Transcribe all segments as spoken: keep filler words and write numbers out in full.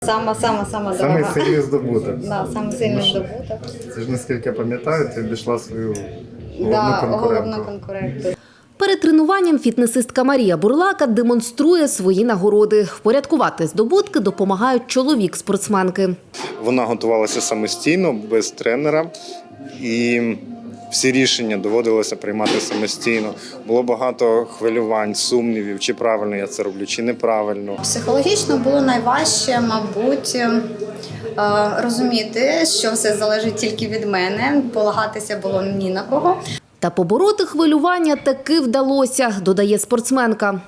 Сама, сама, сама Самий дорога. сильний здобуток. Да, саме сильний здобуток. Це ж, наскільки я пам'ятаю, ти обійшла свою головну Да, конкурентку. головну конкурентку. Перед тренуванням фітнесистка Марія Бурлака демонструє свої нагороди. Впорядкувати здобутки допомагають чоловік спортсменки. Вона готувалася самостійно, без тренера. І всі рішення доводилося приймати самостійно. Було багато хвилювань, сумнівів, чи правильно я це роблю, чи неправильно. Психологічно було найважче, мабуть, е, розуміти, що все залежить тільки від мене, полагатися було ні на кого. Та побороти хвилювання таки вдалося, додає спортсменка.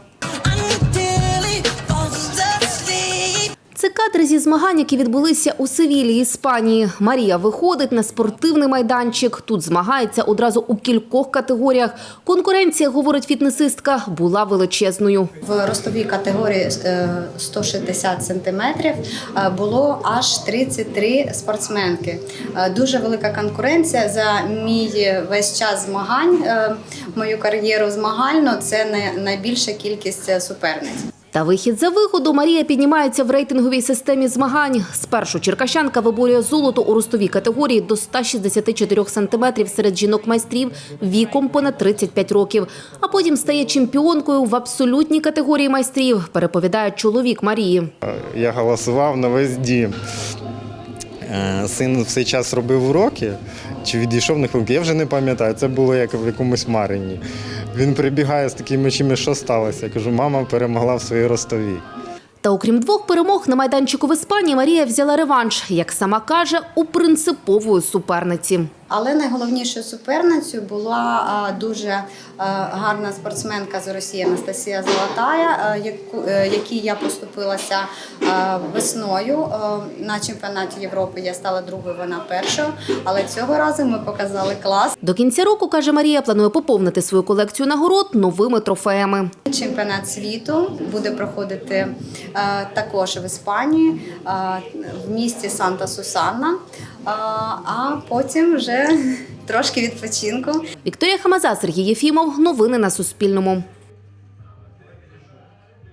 Це кадри зі змагань, які відбулися у Севілі, Іспанії. Марія виходить на спортивний майданчик. Тут змагається одразу у кількох категоріях. Конкуренція, говорить фітнесистка, була величезною. В ростовій категорії е, сто шістдесят сантиметрів е, було аж тридцять три спортсменки. Е, Дуже велика конкуренція. За мій весь час змагань, е, мою кар'єру змагальну, це не- найбільша кількість суперниць. Та вихід за виходу Марія піднімається в рейтинговій системі змагань. Спершу черкащанка виборює золото у ростовій категорії до ста шістдесяти чотирьох сантиметрів серед жінок-майстрів віком понад тридцять п'ять років. А потім стає чемпіонкою в абсолютній категорії майстрів, переповідає чоловік Марії. Я голосував на весь дім. Е, Син в цей час робив уроки, чи відійшов на хвилинку, я вже не пам'ятаю, це було як в якомусь Марині. Він прибігає з такими очима, що сталося. Я кажу, мама перемогла в своїй ростовій. Та окрім двох перемог на майданчику в Іспанії, Марія взяла реванш, як сама каже, у принципової суперниці. Але найголовнішою суперницею була а, дуже а, гарна спортсменка з Росії Анастасія Золотая, а, яку, е, якій я поступилася а, весною. А, на чемпіонаті Європи я стала другою, вона першою, але цього разу ми показали клас. До кінця року, каже Марія, планує поповнити свою колекцію нагород новими трофеями. Чемпіонат світу буде проходити а, також в Іспанії, а, в місті Санта-Сусанна, а, а потім вже трошки відпочинку. Вікторія Хамаза, Сергій Єфімов. Новини на Суспільному.